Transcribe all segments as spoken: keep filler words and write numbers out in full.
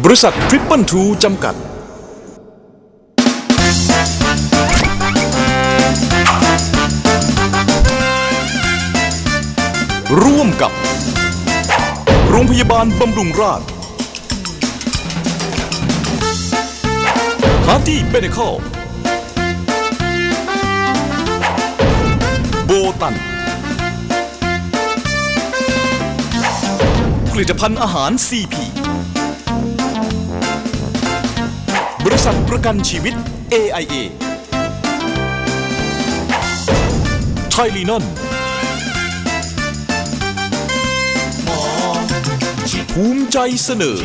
บริษัททริปเปิลทูจำกัดร่วมกับโรงพยาบาลบำรุงราษฎร์ฮาร์ตี้เบเนคอลโบตันผลิตภัณฑ์อาหาร ซี พี บริษัทประกันชีวิต เอ ไอ เอ ไทยลีนอนภูมิใจเสนอ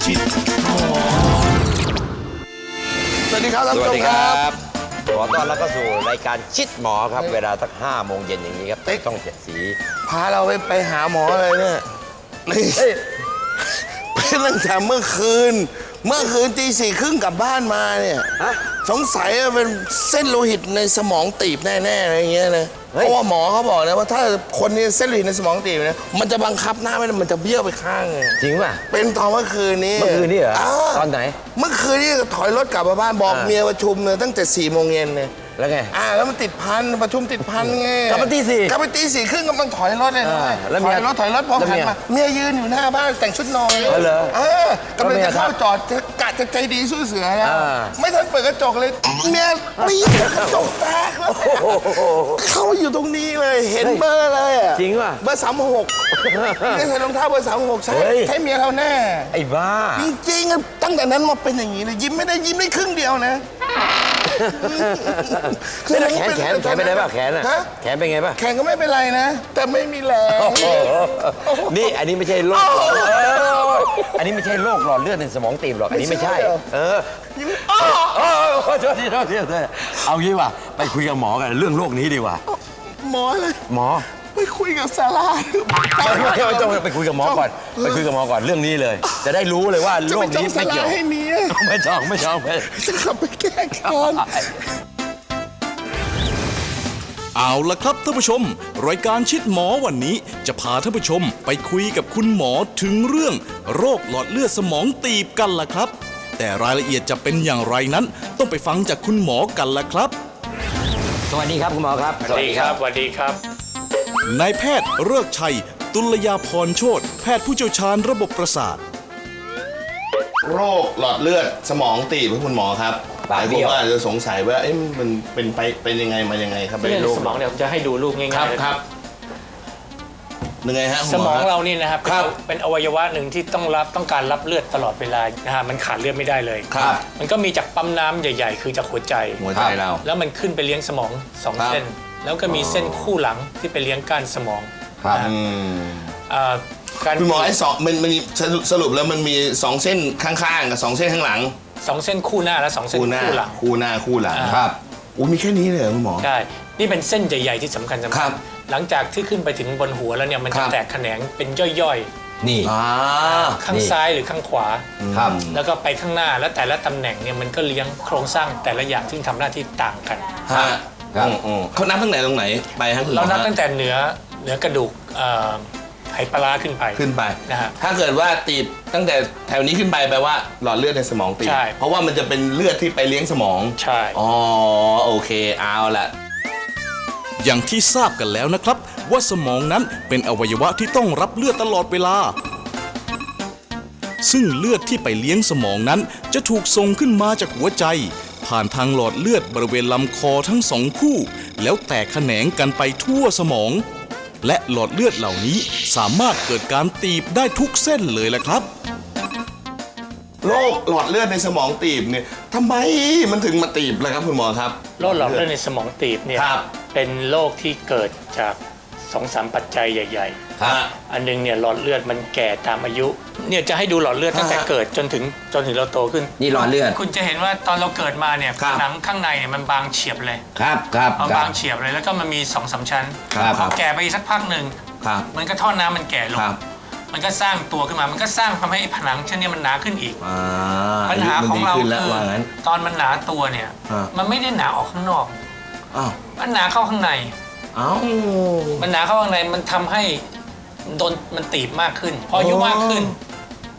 สวัสดีครับท่านสผู้วัชสมดีคครัรับ บขอต้อนรับเข้าสู่รายการชิดหมอครับเวลาสักห้าโมงเย็นอย่างนี้ครับช่องเจ็ดสีพาเราไปไปหาหมอเลยเนี่ยนี่ไปตั้งแต่เมื่อคืน เมื่อคืนตีสี่ครึ่งกลับบ้านมาเนี่ยสงสัยว่าเป็นเส้นโลหิตในสมองตีบแน่ๆอะไรอย่างเงี้ยนะเพราะว่าหมอเขาบอกนะว่าถ้าคนนี้เส้นโลหิตในสมองตีบเนี่ยมันจะบังคับหน้าไม่ได้มันจะเบี้ยวไปข้างเลยจริงป่ะเป็นตอนเมื่อคืนนี้เมื่อคืนนี่เหรอตอนไหนเมื่อคืนนี้ถอยรถกลับมาบ้านบอกเมียประชุมเลยตั้งแต่สี่โมงเย็นเนี่ยแล้วไงอ่าแล้วมันติดพันประชุมติดพันไงกลับมาตีสี่กลับมาตีสี่ครึ่งกำลังถอยรถเลยนะอ่าแล้วถเมีอย ยรถถอยรถพอแล้วหันเมียมาเมียยืนอยู่หน้าบ้านแต่งชุดนอนอ๋อเหรอเออกำลังจะเข้าจอดจะกะจะใจดีสู้เสือแล้วอ่าไม่ทันเปิดกระจกเลยเมียปี๊ดกระจกแตกแล้วเข้าอยู่ตรงนี้เลยเห็นเบอร์เลยอะจริงป่ะเบอร์สามหกนี่ใส่รองเท้าเบอร์สามหกใช่เฮ้ยใช่เมียเราแน่ไอ้บ้าจริงๆอะตั้งแต่นั้นมาเป็นอย่างนี้เลยยิ้มไม่ได้ยิ้มได้ครึ่งเดียวนะไม่ได้แขนแขนแขนเป็นไงบ้างแขนอ่ะฮะแขนเป็นไงบ้างแขนก็ไม่เป็นไรนะ แต่ไม่มีแรงนี่อันนี้ไม่ใช่โรคหลอดเลือดอันนี้ไม่ใช่โรคหลอดเลือดในสมองตีบหรอกอันนี้ไม่ใช่ เออยิ้มอ้อเออโทษทีโทษทีโทษทีเอางี้ว่ะไปคุยกับหมอกันเรื่องโรคนี้ดีกว่าหมอเลยหมอไปคุยกับซาร่าไม่ไม่ไม่ต้องไปคุยกับหมอก่อนไปคุยกับหมอก่อนเรื่องนี้เลย จะได้รู้เลยว่าจะโรไปคจ้อนี้งซาไม่เกี่ร่ายวให้เมียไม่จองไม่จองไม่จะขับไปแก้แค้นเอาละครับท่านผู้ชมรายการชิดหมอวันนี้จะพาท่านผู้ชมไปคุยกับคุณหมอถึงเรื่องโรคหลอดเลือดสมองตีบกันล่ะครับแต่รายละเอียดจะเป็นอย่างไรนั้นต้องไปฟังจากคุณหมอกันล่ะครับสวัสดีครับคุณหมอครับสวัสดีครับสวัสดีครับนายแพทย์ฤกษ์ชัยตุลยาพรโชติแพทย์ผู้เชี่ยวชาญระบบประสาทโรคหลอดเลือดสมองตีบคุณหมอครับหลายคนก็อาจจะสงสัยว่าเอ๊ะมันเป็นไปเป็นยังไงมายังไงครับเรื่องโรคสมองเนี่ยผมจะให้ดูรูปง่ายๆครับเลยครับยังไงฮะคุณสหมองฮะเรานี่นะครับครับเป็นอวัยวะหนึ่งที่ต้องรับต้องการรับเลือดตลอดเวลานะฮะมันขาดเลือดไม่ได้เลยครับมันก็มีจากปั๊มน้ำใหญ่ ๆ คือจากหัวใจหัวใจเราแล้วมันขึ้นไปเลี้ยงสมองสองครับเส้น แล้วก็มีเส้นคู่หลังที่ไปเลี้ยงก้านสมองครับนะฮะอืมอ่าการคุณหมอไอ้สองมันมันมีสรุปสรุปแล้วมันมีสองเส้นข้างๆกับสองเส้นข้างหลังสองเส้นคู่หน้าและสองเส้นคู่หน้าคู่หลังคู่หน้าคู่หลังอ่าครับอุ้ยมีแค่นี้เลยเหรอคุณหมอใช่นี่เป็นเส้นใหญ่ๆที่สำคัญสำครัคัญบหลังจากที่ขึ้นไปถึงบนหัวแล้วเนี่ยมันครัจะบแตกแขนงเป็นย่อยนี่อ่าๆ ข้างนี่ซ้ายหรือข้างขวาครับแล้วก็ไปข้างหน้าแล้วแต่ละตำแหน่งเนี่ยมันก็เลี้ยงโครงสร้างแต่ละอย่างที่ทำหน้าที่ต่างกันฮะครับอืมอืมเขานับตั้งไหนตรงไหนไปฮะคุณหมอเรานับฮะตั้งแต่เหนือเหนือกระดูกเอ่อไหปลาร้าขึ้นไปขึ้นไปนะฮะถ้าเกิดว่าตีบตั้งแต่แถวนี้ขึ้นไปแปลว่าหลอดเลือดในสมองตีบใช่เพราะว่ามันจะเป็นเลือดที่ไปเลี้ยงสมองใช่อ๋อโอเคเอาละอย่างที่ทราบกันแล้วนะครับว่าสมองนั้นเป็นอวัยวะที่ต้องรับเลือดตลอดเวลา ซึ่งเลือดที่ไปเลี้ยงสมองนั้นจะถูกส่งขึ้นมาจากหัวใจ ผ่านทางหลอดเลือดบริเวณลำคอทั้งสองคู่ แล้วแตกแขนงกันไปทั่วสมอง และหลอดเลือดเหล่านี้สามารถเกิดการตีบได้ทุกเส้นเลยละครับโรคหลอดเลือดในสมองตีบเนี่ยทำไมมันถึงมาตีบเลยครับคุณหมอครับโรคหลอดเลือดในสมองตีบเนี่ยครับเป็นโรคที่เกิดจากสองสามปัจจัยใหญ่ฮะๆ อันหนึงเนี่ยหลอดเลือดมันแก่ตามอายุเนี่ยจะให้ดูหลอดเลือดตั้งแต่ฮะเกิดจนถึงจนถึงเราโตขึ้นนี่หลอดเลือดคุณจะเห็นว่าตอนเราเกิดมาเนี่ยครับหนังข้างในเนี่ยมันบางเฉียบเลยครับครับเอาครับางเฉียบเลยแล้วก็มันมีสองสามชั้นครับพอแก่ไปอีกสักพักหนึ่งครับมันก็ท่อน้ำมันแก่ลงครับมันก็สร้างตัวขึ้นมา มันก็สร้างทำให้ไอ้ผนังชั้นเนี้มันหนาขึ้นอีกอ่าปัญหาของเรายุมันดีขึ้นแล้วคือว่างั้นตอนมันหนาตัวเนี่ยอ่ามัมันไม่ได้หนาออกข้างนอกอ้าวมันหนาเข้าข้างในเอ้ามันหนาเข้าข้างในมันทำให้โดนมันตีบมากขึ้น พออายุมากขึ้น เ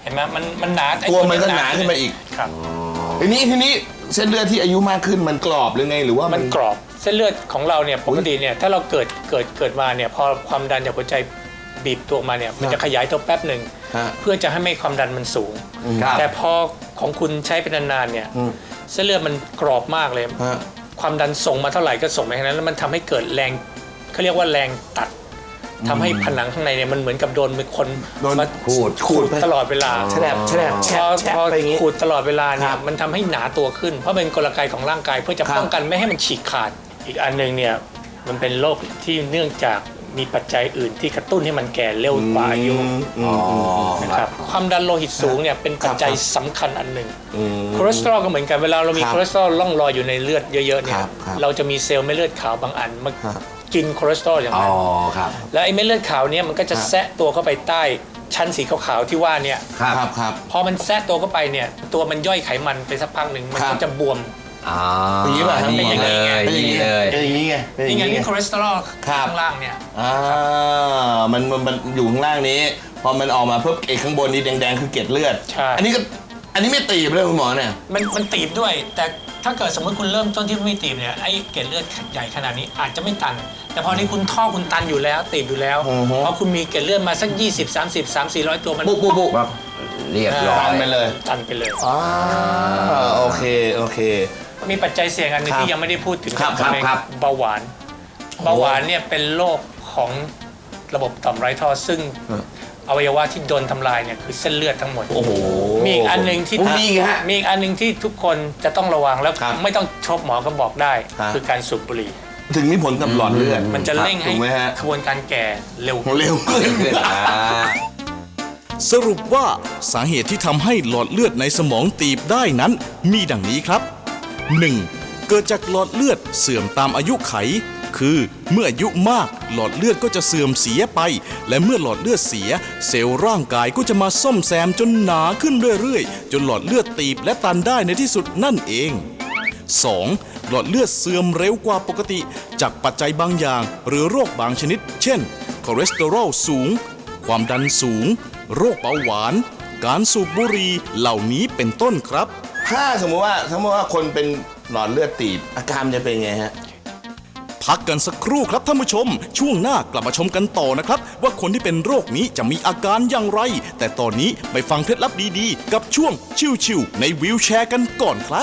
เห็นไหมมันมันหนาไอ้ตัวมันก็หนาขึ้นมาอีกครับทีนี้ทีนี้เส้นเลือดที่อายุมากขึ้นมันกรอบหรือไงหรือว่ามัมันกรอบเส้นเลือดของเราเนี่ยปกติเนี่ยถ้าเราเกิดเกิดเกิดมาเนี่ยพอความดันจากหัวใจบีบตัวมาเนี่ยมันจะขยายตัวแป๊บหนึ่งฮะเพื่อจะให้ไม่ความดันมันสูงครับแต่พอของคุณใช้เป็นนานๆเนี่ยเส้นเลือดมันกรอบมากเลยฮะความดันส่งมาเท่าไหร่ก็ส่งไปแค่นั้นแล้วมันทำให้เกิดแรงเขาเรียกว่าแรงตัดทำให้ผนังข้างในเนี่ยมันเหมือนกับโดนมีคนโดนมาขูดขูดตลอดเวลาแฉลบแฉลบแฉพลอบแฉลบพอไปอย่างงี้ขูดตลอดเวลาเนี่คยรับมันทำให้หนาตัวขึ้น เพราะเป็นกลไกของร่างกายเพื่อจะครับป้องกันไม่ให้มันฉีกขาดอีกอันหนึ่งเนี่ยมันเป็นโรคที่เนื่องจากมีปัจจัยอื่นที่กระตุ้นให้มันแก่เร็วกว่าอายุอ๋อนะครับความดันโลหิตสูงเนี่ยเป็นปัจจัยสำคัญอันหนึ่งคอเลสเตอรอลก็เหมือนกันเวลาเรามีครับคอเลสเตอรอลล่องลอยอยู่ในเลือดเยอะๆเนี่คยรับครับเราจะมีเซลล์เม็ดเลือดขาวบางอันมาครับกินคอเลสเตอรอลอย่างอ๋อนั้นครับแล้วไอ้เม็ดเลือดขาวเนี่ยมันก็จะครับแทะตัวเข้าไปใต้ชั้นสีขาวๆที่ว่าเนี่ยครับครับครับพอมันแทะตัวเข้าไปเนี่ยตัวมันย่อยไขมันไปสักพักหนึ่งมันครัก็บจะบวมอ๋ออย่างนี้ป่ะครับนี่เป็นอย่างนี้เลไงยเป็นอย่างนี่นี้เลยเป็นอย่างนี้ไงเป็นอนี่ย่างไงนี้นี่คอเลสเตอรอลครับข้างล่างเนี่ยอ่ามันมันมันอยู่ข้างล่างนี้ พอมันออกมาเพิ่มไอ้ข้างบนนี้แดงๆคือเกล็ดเลือดใช่อันนี้ก็อันนี้ไม่ตีบเลยคุณหมอเนี่ยมันมันตีบด้วย แต่ถ้าเกิดสมมติคุณเริ่มต้นที่ไม่ตีบเนี่ยไอ้เกล็ดเลือดใหญ่ขนาดนี้อาจจะไม่ตัน แต่พอนี้คุณท่อคุณตันอยู่แล้วตีบอยู่แล้วอือฮึพอคุณมีเกล็ดเลือดมาสักยี่สิบ สามสิบ สามสี่ร้อยตัวมันปุ๊บปุ๊บปุ๊บเรียบร้อยตันไปเลยตันไปเลยอ่าโอเคโอเคมีปัจจัยเสี่ยงอันหนึงครับที่ยังไม่ได้พูดถึงครับครับในครับเบาหวาน เบาหวานเนี่ยเป็นโรคของระบบต่อมไร้ท่อซึ่งอวัยวะที่โดนทำลายเนี่ยคือเส้นเลือดทั้งหมดโอ้โหมีอีกอันหนึ่งที่โอ้มีอีกฮะมีอีกอันหนึ่งที่ทุกคนจะต้องระวังแล้วครับไม่ต้องชบหมอก็บอกได้ครับคือการสูบบุหรี่ถึงมีผลกับหลอดเลือดมันจะเร่งให้ถูกไหมฮะกระบวนการแก่เร็วเร็วขึ้นอ่าสรุปว่าสาเหตุที่ทำให้หลอดเลือดในสมองตีบได้นั้นมีดังนี้ครับ หนึ่ง เกิดจากหลอดเลือดเสื่อมตามอายุไข คือเมื่ออายุมากหลอดเลือดก็จะเสื่อมเสียไป และเมื่อหลอดเลือดเสีย เซลล์ร่างกายก็จะมาซ่อมแซมจนหนาขึ้นเรื่อยๆ จนหลอดเลือดตีบและตันได้ในที่สุดนั่นเอง สอง หลอดเลือดเสื่อมเร็วกว่าปกติ จากปัจจัยบางอย่างหรือโรคบางชนิด เช่น คอเลสเตอรอลสูง ความดันสูง โรคเบาหวาน การสูบบุหรี่เหล่านี้เป็นต้นครับถ้าสมมติว่าสมมติว่าคนเป็นหลอดเลือดตีบอาการจะเป็นไงฮะพักกันสักครู่ครับท่านผู้ชม ช่วงหน้ากลับมาชมกันต่อนะครับ ว่าคนที่เป็นโรคนี้จะมีอาการอย่างไร แต่ตอนนี้ไปฟังเคล็ดลับดีๆ กับช่วงชิวๆในวีลแชร์กันก่อนครับ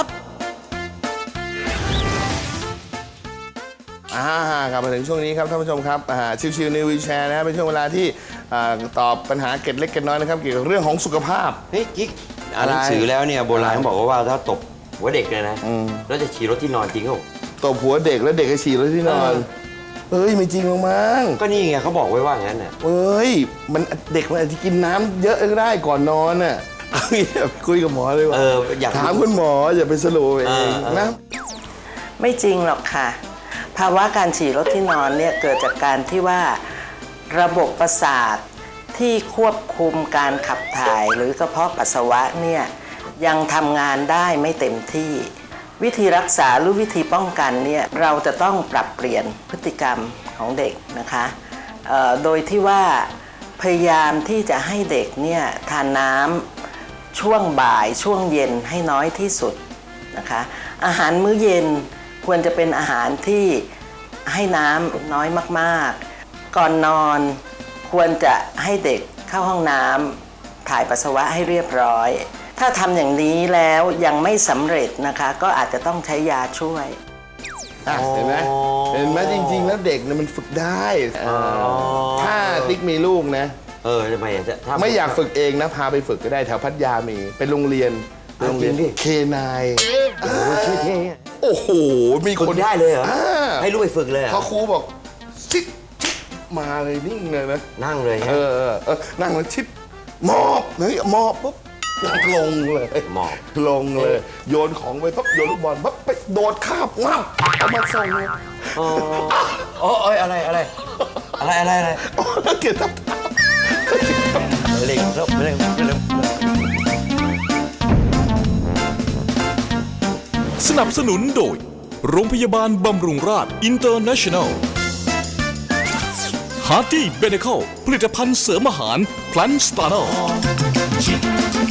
อ่ากลับมาถึงช่วงนี้ครับท่านผู้ชมครับอ่าชิวๆในวีลแชร์นะฮะเป็นช่วงเวลาที่อ่าตอบปัญหาเกร็ดเล็กเกร็ดน้อยนะครับเกี่ยวกับเรื่องของสุขภาพเฮ้ยกิ๊กอ่านหนังสือแล้วเนี่ยโบราณเขาบอกว่าถ้าตบหัวเด็กเนี่ยนะอืมแล้วจะฉี่รถที่นอนจริงเขาบอกตบหัวเด็กแล้วเด็กก็ฉี่แล้วที่นอนเฮ้ยไม่จริงหรอกมั้งก็นี่ไงเขาบอกไว้ว่างั้นน่ะเฮ้ยมันเด็กมันอาจจะกินน้ำเยอะก็ได้ก่อนนอนน่ะเอางี้คุยกับหมอเลยว่าเอออยากถามคุณหมออย่าไปสรุปเอเออง เออนะไม่จริงหรอกค่ะ ภาวะการฉี่รถที่นอนเนี่ยเกิดจากการที่ว่าระบบประสาทที่ควบคุมการขับถ่ายหรือกระเพาะปัสสาวะเนี่ยยังทำงานได้ไม่เต็มที่ วิธีรักษาหรือวิธีป้องกันเนี่ยเราจะต้องปรับเปลี่ยนพฤติกรรมของเด็กนะคะเอ่อโดยที่ว่าพยายามที่จะให้เด็กเนี่ยทานน้ำช่วงบ่ายช่วงเย็นให้น้อยที่สุดนะคะอาหารมื้อเย็นควรจะเป็นอาหารที่ให้น้ำน้อยมากๆ ก่อนนอนควรจะให้เด็กเข้าห้องน้ำถ่ายปัสสาวะให้เรียบร้อย ถ้าทำอย่างนี้แล้วยังไม่สำเร็จนะคะก็อาจจะต้องใช้ยาช่วยอ่ะเห็นไหมเห็นไหมจริง ๆ แล้วเด็กเนี่ยมันฝึกได้เออถ้าติ๊กมีลูกนะเออทำไมอ่ะจะถ้ไม่อยากฝึกเองนะพาไปฝึกก็ได้แถวพัทยามีเป็นโรงเรียนเอาโรงเรียนจริงดิเคนายโอ้โหชื่อเท่อะโอ้โหมีฝึคกนได้เลยเหรออ่าให้ลูกไปฝึกเลยเหรพออครูบอกชิดชิดมาเลยนิ่งเลยนะนั่งเลยเอฮะอเออเออนั่งแล้วชิดมอบเฮ้ยมอบปุ๊บลงเลยหมอบลงเลย โยนของไปปั๊บโยนลูกบอลปั๊บไปโดดคาบงับเอามาส่งเลยอ๋ออ๋อเอ้ยอะไรอะไรอะไรอะไรอะไรโอ้นักเกียรติทับเล็งแล้วเล็งเล็งสนับสนุนโดย โรงพยาบาลบำรุงราษอินเตอร์เนชั่นแนล ฮาร์ตี้เบเนคอลผลิตภัณฑ์เสริมอาหารพลันสตาร์นอล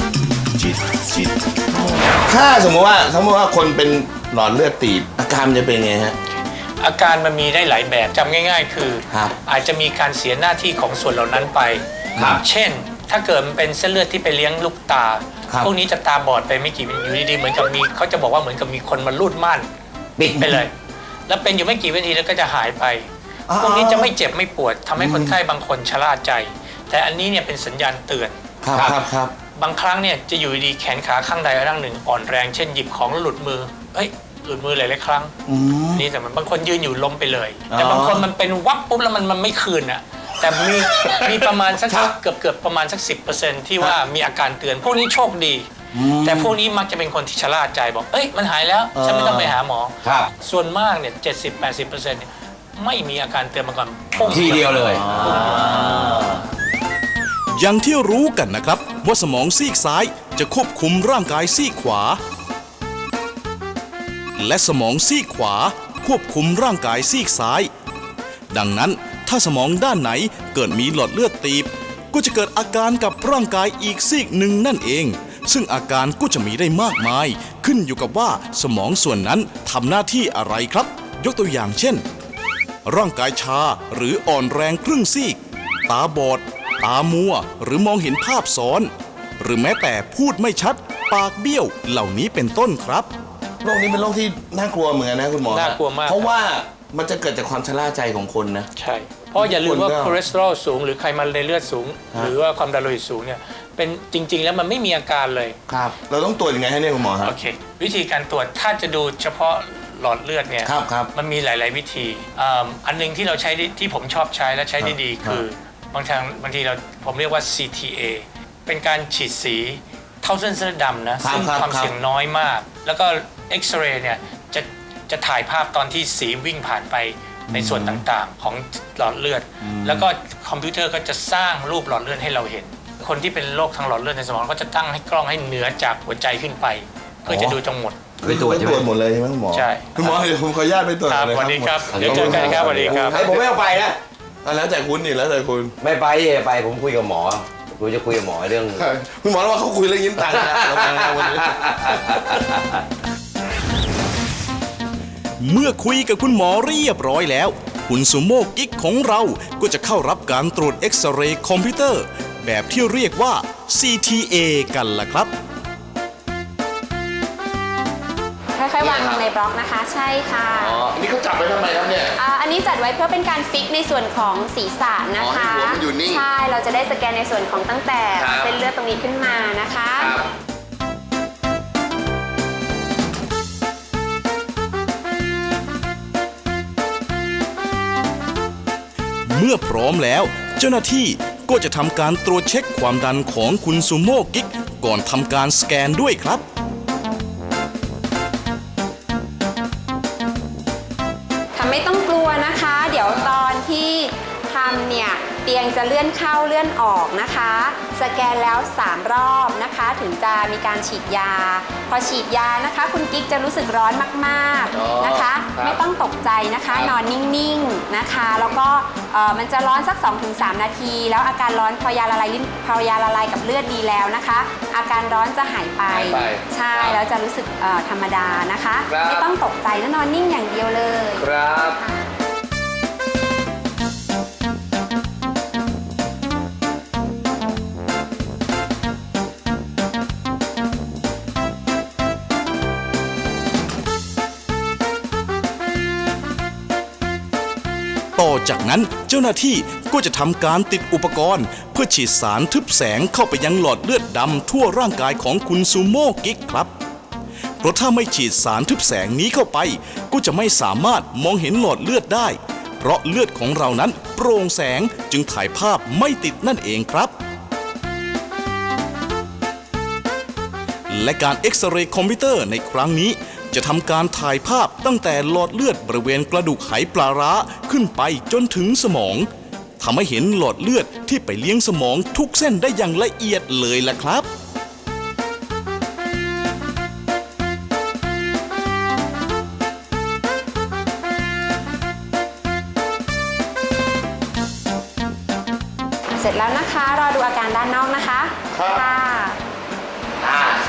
ถ้าสมมติว่าสมมติว่าคนเป็นหลอดเลือดตีบอาการมันจะเป็นไงฮะอาการมันมีได้หลายแบบจำง่าย ๆ คือครับอาจจะมีการเสียหน้าที่ของส่วนเหล่านั้นไปครับเช่น ถ้าเกิดมันเป็นเส้นเลือดที่ไปเลี้ยงลูกตาครับพวกนี้จะตาบอดไปไม่กี่วิอยู่ดีๆเหมือนกับมีเขาจะบอกว่าเหมือนกับมีคนมาลูดม่านปิดไปเลย แล้วเป็นอยู่ไม่กี่วินาทีแล้วก็จะหายไป พวกนี้จะไม่เจ็บไม่ปวดทำให้คนไข้บางคนชะล่าใจ แต่อันนี้เนี่ยเป็นสัญญาณเตือนครับครับครับบางครั้งเนี่ยจะอยู่ดีๆแขนขาข้างใดข้างหนึ่งอ่อนแรงเช่นหยิบของแล้วหลุดมือเอ้ยหลุดมือหลายๆครั้งนี่แต่มันบางคนยืนอยู่ล้มไปเลย แต่บางคนมันเป็นวับปุ๊บแล้วมันมันไม่คืนอ่ะแต่มีมีประมาณสักเกือบเกือบประมาณสักสิบเปอร์เซ็นต์ที่ว่ามีอาการเตือนพวกนี้โชคดี แต่พวกนี้มักจะเป็นคนที่ชะล่าใจบอกเอ้ยมันหายแล้วฉันไม่ต้องไปหาหมอครับส่วนมากเนี่ยเจ็ดสิบแปดสิบเปอร์เซ็นต์ไม่มีอาการเตือนมาก่อนปุ้งทีเดียวเลยอย่างที่รู้กันนะครับว่าสมองซีกซ้ายจะควบคุมร่างกายซีกขวา และสมองซีกขวาควบคุมร่างกายซีกซ้าย ดังนั้นถ้าสมองด้านไหนเกิดมีหลอดเลือดตีบก็จะเกิดอาการกับร่างกายอีกซีกหนึ่งนั่นเอง ซึ่งอาการก็จะมีได้มากมายขึ้นอยู่กับว่าสมองส่วนนั้นทำหน้าที่อะไรครับ ยกตัวอย่างเช่น ร่างกายชาหรืออ่อนแรงครึ่งซีก ตาบอด ตามัว หรือมองเห็นภาพซ้อน หรือแม้แต่พูดไม่ชัด ปากเบี้ยว เหล่านี้เป็นต้นครับโรคนี้เป็นโรคที่น่ากลัวเหมือนกันนะคุณหมอน่ากลัวมากเพราะว่ามันจะเกิดจากความชะล่าใจของคนนะใช่ เพราะอย่าลืมว่าคนก็คอเลสเตอรอลสูงหรือไขมันในเลือดสูง หรือว่าความดันโลหิตสูงเนี่ยเป็นจริง ๆ แล้วมันไม่มีอาการเลยครับ เราต้องตรวจยังไงให้เนี่ยคุณหมอครับโอเค วิธีการตรวจถ้าจะดูเฉพาะหลอดเลือดเนี่ยครับครับมันมีหลาย ๆ วิธีอ่าอันหนึงที่เราใช้ได้ที่ผมชอบใช้และใช้ได้ดีครับคือบางทางบางทีเราผมเรียกว่า ซี ที เอ เป็นการฉีดสีเท่าเส้นเส้นดำนะซึ่งความเสี่ยงน้อยมาก แล้วก็เอ็กซเรย์เนี่ยจะจะถ่ายภาพตอนที่สีวิ่งผ่านไปในส่วนต่างๆ ของหลอดเลือด แล้วก็คอมพิวเตอร์ก็จะสร้างรูปหลอดเลือดให้เราเห็น คนที่เป็นโรคทางหลอดเลือดในสมองก็จะตั้งให้กล้องให้เหนือจากหัวใจขึ้นไป เพื่อจะดูจังหมดไปตรวจใช่ไหมตรวจหมดเลยใช่ไหมคุณหมอใช่คุณหมอเดี๋ยวผมขออนุญาตไปตรวจครับเลยสวัสดีครับหมเดี๋ยวเจอกันครับสวัสดีครับให้ผมไม่เอาไปนะอ่ะแล้วแต่คุณนี่แล้วแต่คุณไม่ไปไปผมคุยกับหมอกูจะคุยกับหมอเรื่องคุณหมอว่าเขาคุยเรื่องยิ้มตังค์นะเรามาวันนี้เมื่อคุยกับคุณหมอเรียบร้อยแล้ว คุณซูโม่กิ๊กของเราก็จะเข้ารับการตรวจเอ็กซเรย์คอมพิวเตอร์ แบบที่เรียกว่า ซี ที เอ กันล่ะครับค่อยๆวางลงในบล็อกนะคะ ใช่ค่ะอ๋ออันนี้เขาจับไว้ทำไมครับเนี่ยาอันนี้จัดไว้เพื่อเป็นการฟิกในส่วนของศีรษะนะคะอ๋อให้หัวมันอยู่นิ่งใช่เราจะได้สแกนในส่วนของตั้งแต่ครับเส้นเลือดตรงนี้ขึ้นมานะคะเมื่อพร้อมแล้ว เจ้าหน้าที่ก็จะทำการตรวจเช็คความดันของคุณซูโม่กิ๊กก่อนทำการสแกนด้วยครับค่ะไม่ต้องกลัวนะคะ เดี๋ยวตอนที่ทำเนี่ยเตียงจะเลื่อนเข้าเลื่อนออกนะคะ สแกนแล้วสามรอบนะคะ ถึงจะมีการฉีดยา พอฉีดยานะคะ คุณกิ๊กจะรู้สึกร้อนมากๆนะคะ ไม่ต้องตกใจนะคะ นอนนิ่งๆนะคะ แล้วก็เอ่อมันจะร้อนสัก สองถึงสาม นาที แล้วอาการร้อนพอยาละลายลิ้นพอยาละลายกับเลือดดีแล้วนะคะ อาการร้อนจะหายไปหายไปใช่แล้วจะรู้สึกเอ่อธรรมดานะคะครับไม่ต้องตกใจแล้วนอนนิ่งอย่างเดียวเลยครับต่อจากนั้นเจ้าหน้าที่ก็จะทำการติดอุปกรณ์ เพื่อฉีดสารทึบแสงเข้าไปยังหลอดเลือดดำทั่วร่างกายของคุณซูโม่กิ๊กครับ เพราะถ้าไม่ฉีดสารทึบแสงนี้เข้าไป ก็จะไม่สามารถมองเห็นหลอดเลือดได้ เพราะเลือดของเรานั้นโปร่งแสงจึงถ่ายภาพไม่ติดนั่นเองครับ และการเอ็กซเรย์คอมพิวเตอร์ในครั้งนี้ จะทำการถ่ายภาพตั้งแต่หลอดเลือดบริเวณกระดูกไหปลาร้าขึ้นไปจนถึงสมองทำให้เห็นหลอดเลือดที่ไปเลี้ยงสมองทุกเส้นได้อย่างละเอียดเลยล่ะครับเสร็จแล้วนะคะ รอดูอาการด้านนอกนะคะครับค่ะอ่า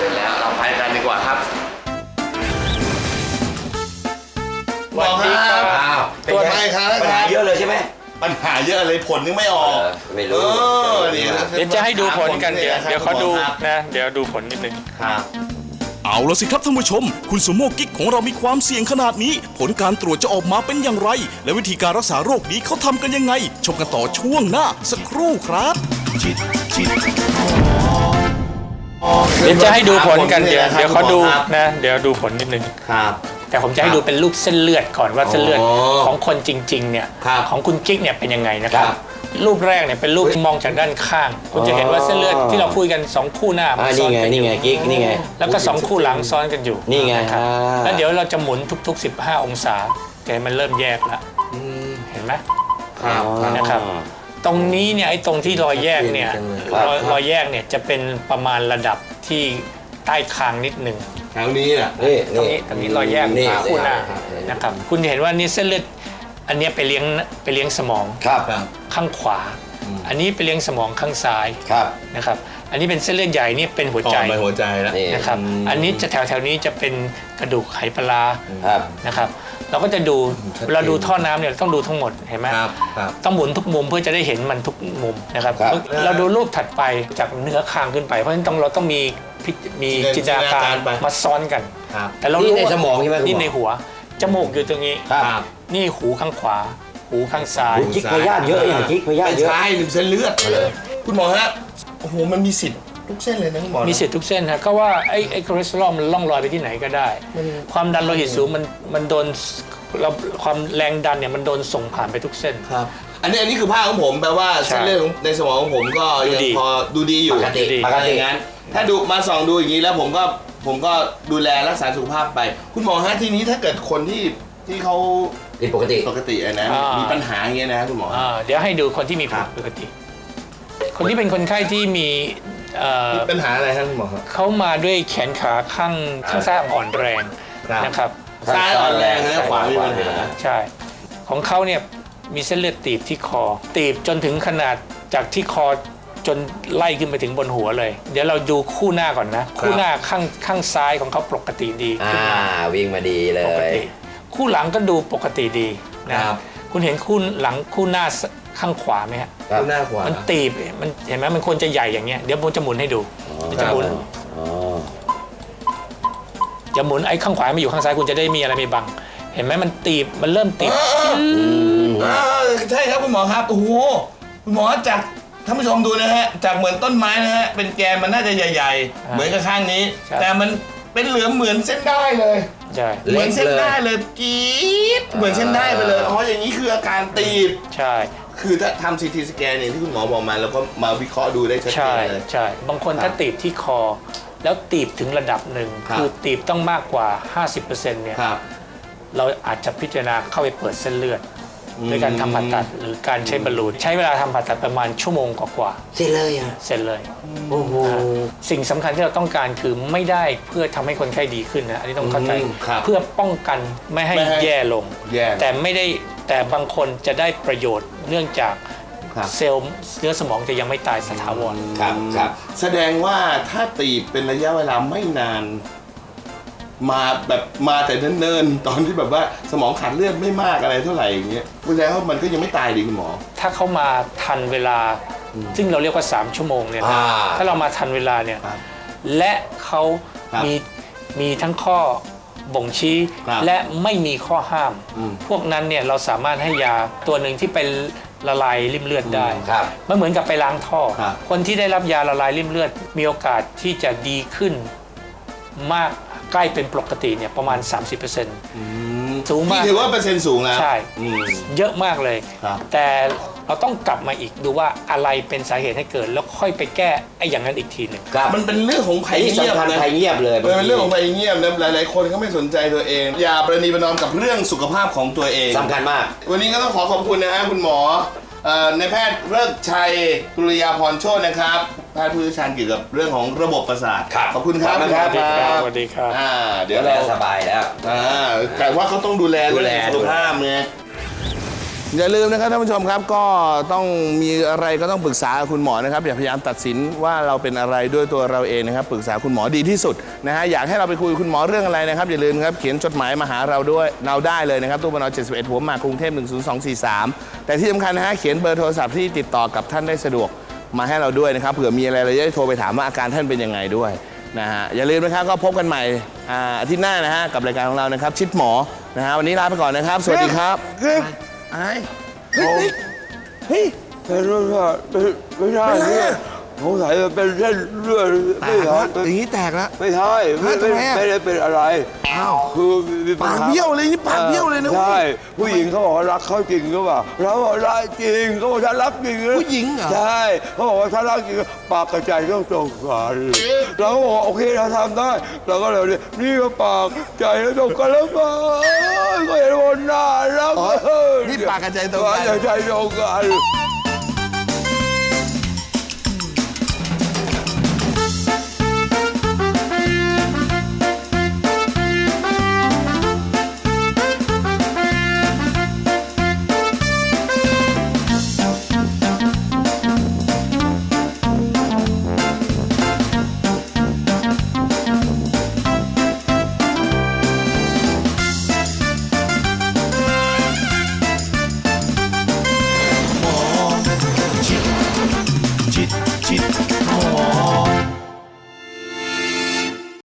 ปัญหาเยอะเลยผลยังไม่ออกเออไม่รู้เออนี่เดี๋ยวจะให้ดูผลกันเดี๋ยวเดี๋ยวเขาดูครับนะเดี๋ยวดูผลนิดนึงครับเอาละสิครับท่านผู้ชม คุณสุโมกิ๊กของเรามีความเสี่ยงขนาดนี้ ผลการตรวจจะออกมาเป็นอย่างไร และวิธีการรักษาโรคนี้เขาทำกันยังไง ชมกันต่อช่วงหน้าสักครู่ครับเดี๋ยวจะให้ดูผลกันเดี๋ยวเดี๋ยวเขาดูนะเดี๋ยวดูผลนิดนึงครับแต่ผมจะให้ดูเป็นรูปเส้นเลือดก่อนว่าเส้นเลือดอ๋อของคนจริงๆเนี่ยครับของคุณกิ๊กเนี่ยเป็นยังไงนะครับครับรูปแรกเนี่ยเป็นรูปที่มองจากด้านข้าง คุณจะเห็นว่าเส้นเลือดที่เราคุยกันสองคู่หน้าอ่ามันซ้นี่อนไงกันอนี่ยู่ไงกิ๊กนี่ไงแล้วก็สองคู่หลังซ้อนกันอยู่นี่ไงนะครับอ่าแล้วเดี๋ยวเราจะหมุนทุกๆ สิบห้า องศาแต่มันเริ่มแยกแล้วเห็นไหมครับนะครับ ตรงนี้เนี่ยไอ้ตรงที่รอยแยกเนี่ยครับรอยรอยแยกเนี่ยจะเป็นประมาณระดับที่ใต้คางนิดหนึ่งแถวนี้น่ะนี่ตรงนี่นี้ตรงนี้รอยแยกนี่คู่หน้าครับนะครับคุณจะเห็นว่านี่เส้นเลือดอันเนี้ยไปเลี้ยงไปเลี้ยงสมองครับข้างขวา อันนี้ไปเลี้ยงสมองข้างซ้ายครับนะครับอันนี้เป็นเส้นเลือดใหญ่นี่เป็นหัวใจต่อไปหัวใจแล้วนี่นะครับอันนี้จะแถวแถวๆนี้จะเป็นกระดูกไหปลาร้าครับนะครับเราก็จะดูเวลาดูท่อน้ำเนี่ยเราต้องดูทั้งหมดเห็นไหมครับครับต้องหมุนทุกมุมเพื่อจะได้เห็นมันทุกมุมนะครับครับเราดูรูปถัดไปจากเนื้อคางขึ้นไปเพราะฉะนั้นต้องเราต้องมีพิจมีจิจินนตตนานาการการไปมาซ้อนกันครับแต่เรานี่รู้ในว่าสมองใช่ไหมคุณหมอนี่ในหัวจมูกอยู่ตรงนี้ครับนี่หูข้างขวา หูข้างซ้ายกิ๊กพยาธิเยอะอย่างกิ๊กพยาธิไม่เยอะใช่หนึ่งเส้นเลือดคุณหมอฮะโอ้โหมันมีสิทธิ์ทุกเส้นเลยนะคุณหมอมีสิทธิ์ทุกเส้นฮะก็ว่าไอ้ไอ้คอเลสเตอรอลมันล่องลอยไปที่ไหนก็ได้ ความดันโลหิตสูงมันมันโดนเราความแรงดันเนี่ยมันโดนส่งผ่านไปทุกเส้นครับอันนี้อันนี้คือภาพของผมแปลว่าใช่เส้นเลือดของในสมองของผมก็ดูยังดีพอดูดีอยู่ปกติปกติอย่างนั้นถ้าดูมาส่องดูอย่างนี้แล้วผมก็ผมก็ดูแลรักษาสุขภาพไป คุณหมอฮะทีนี้ถ้าเกิดคนที่ที่เขาผิดปกติปกติอะนะอ่ามีมีปัญหาอย่างเงี้ยนะคุณหมออ่าเดี๋ยวให้ดูคนที่มีผิดปกติ คนที่เป็นคนไข้ที่มีเอ่อมีปัญหาอะไรครับคุณหมอครับเขามาด้วยแขนขาข้างข้างซ้ายอ่อนแรงครับนะครับซ้ายอ่อนแรงนะขวามีปัญหาใช่ ของเขาเนี่ยมีเส้นเลือดตีบที่คอ ตีบจนถึงขนาดจากที่คอจนไล่ขึ้นไปถึงบนหัวเลย เดี๋ยวเราดูคู่หน้าก่อนนะ คู่หน้าข้างข้างซ้ายของเขาปกติดีอ่าขึ้นมาวิ่งมาดีเลปกยติ คู่หลังก็ดูปกติดีนะครับ คุณเห็นคู่หลังคู่หน้าข้างขวาไหมฮะครับหน้าขวามันตีบมันเห็นไหมมันควรจะใหญ่อย่างเงี้ยเดี๋ยวผมจะหมุนให้ดูมันจะหมุนอ๋อจะหมุนไอ้ข้างขวามาอยู่ข้างซ้ายคุณจะได้มีอะไรไม่บัง เห็นไหมมันตีบมันเริ่มตีบอ่าใช่ครับคุณหมอครับโอ้โหคุณหมอจากท่านผู้ชมดูนะฮะจากเหมือนต้นไม้นะฮะเป็นแกนมันน่าจะใหญ่ๆ เหมือนกับข้างนี้ แต่มันเป็นเหลือมเหมือนเส้นได้เลยใช่เหมือนเส้นได้เลยกรี๊ดเหมือนเส้นได้ไปเลยอ๋ออย่างนี้คืออาการตีบใช่คือถ้าทำซีทีสแกนเนี่ยที่คุณหมอบอกมาแล้วก็มาวิเคราะห์ดูได้ชัดเจใช่นเลยใช่บางคนครับถ้าตีบที่คอ แล้วตีบถึงระดับหนึ่งครับคือตีบต้องมากกว่า ห้าสิบเปอร์เซ็นต์ เนี่ยครับเราอาจจะพิจารณาเข้าไปเปิดเส้นเลือดอืมด้วยการทำผ่าตัดหรือการใช้บอลลูนใช้เวลาทำผ่าตัดประมาณชั่วโมงกว่าเสร็จเลยอ่ะๆเสร็จเลยโอ้โหสิ่งสำคัญที่เราต้องการคือไม่ได้เพื่อทำให้คนไข้ดีขึ้นนะอันนี้ต้องเข้าใจอืมครับเพื่อป้องกันไม่ให้ไม่ให้แย่ลงแย่แต่ไม่ได้แต่บางคนจะได้ประโยชน์เนื่องจากครับเซลล์เนื้อสมองจะยังไม่ตายสถาวรครับครับแสดงว่าถ้าตีบเป็นระยะเวลาไม่นาน มาแบบมาแต่เนิ่นๆตอนที่แบบว่าสมองขาดเลือดไม่มากอะไรเท่าไหร่อย่างเงี้ยแสดงว่ามันก็ยังไม่ตายดีคุณหมอถ้าเขามาทันเวลา ซึ่งเราเรียกว่า สาม ชั่วโมงเนี่ยนะอ่าถ้าเรามาทันเวลาเนี่ยครับและเขาครับมีมีทั้งข้อบ่งชี้ครับและไม่มีข้อห้ามอืมพวกนั้นเนี่ยเราสามารถให้ยาตัวหนึ่งที่เป็นละลายริ่มเลือดได้ครับมันเหมือนกับไปล้างท่อครับคนที่ได้รับยาละลายริ่มเลือด มีโอกาสที่จะดีขึ้นมากใกล้เป็นปกติเนี่ยประมาณ สามสิบเปอร์เซ็นต์ สูงมากนี่ถือว่าเปอร์เซ็นต์สูงแล้วใช่อืมเยอะมากเลยครับแต่เราต้องกลับมาอีกดูว่าอะไรเป็นสาเหตุให้เกิด แล้วค่อยไปแก้ไอ้อย่างนั้นอีกทีหนึ่งครับมันเป็นเรื่องของภัอัยนนี้เงียบสำคัญนะภัยเงียบเลยมันเป็นเรื่องของภัยเงียบนะหลายๆคนเขาไม่สนใจตัวเอง อย่าประนีประนอมกับเรื่องสุขภาพของตัวเองสำคัญมากวันนี้ก็ต้องขอขอบคุณนะฮะคุณหมอเอ่อในายแพทย์เลิกชัยกุลยาพรโชตินะครับแพทย์ผู้เชี่ยวชาญเกี่ยวกับเรื่องของระบบประสาทครับขอบคุณครับขอบคุณครับณหมอสวัสดีครับอ่าเดี๋เดี๋ยยว วเราเราสบายแล้วอ่าแต่ว่าเขาต้องดูแลดูแลเรื่องสุขภาพไงอย่าลืมนะครับท่านผู้ชมครับก็ต้องมีอะไรก็ต้องปรึกษาคุณหมอนะครับอย่าพยายามตัดสินว่าเราเป็นอะไรด้วยตัวเราเองนะครับปรึกษาคุณหมอดีที่สุดนะฮะอยากให้เราไปคุยกับคุณหมอเรื่องอะไรนะครับอย่าลืมครับเขียนจดหมายมาหาเราด้วยเราได้เลยนะครับตู้ปนเจ็ดสิบเอ็ดหัวหมากกรุงเทพหนึ่งศูนย์สองสี่สามแต่ที่สำคัญนะฮะเขียนเบอร์โทรศัพท์ที่ติดต่อกับท่านได้สะดวกมาให้เราด้วยนะครับเผื่อมีอะไรเราจะได้โทรไปถามว่าอาการท่านเป็นยังไงด้วยนะฮะอย่าลืมนะครับก็พบกันใหม่อ่าอาทิตย์หน้านะฮะกับรายการของเรานะครับชิดหมอนะฮะวันนี้ลาไปก่อนนะครับสวัสดีครับไอ้เฮ้ยเฮ้ยเป็นเลือดไม่ใช่เนี่ยสงสัยมันเป็นเส้นเลือดแตไม่กใช่แล้วอย่างนี้แตกแล้วไม่ใช่ไม่ไม่ไม่ได้เป็นอะไรอ้าวคือมีปัญปากหาเบี้ยวเลยนี่ปากเบี้ยวเลยนะใช่ผู้หญิงเขาบอกว่ารักเขาจริงก็ว่าเราบอกรักจริงเขาบอกฉันรักจริงนะผู้หญิงเหรอใช่เขาบอกว่าฉันรักจริงปากกระจายต้องตรงกันเราก็บอกว่าโอเคเราทำได้เราก็เลยนี่ก็ปากใจแล้วตรงกันแล้วมาก็เห็นว่าน่ารักอ๋อนี่ปากกระจายตรงกันปากกระจายตรงกัน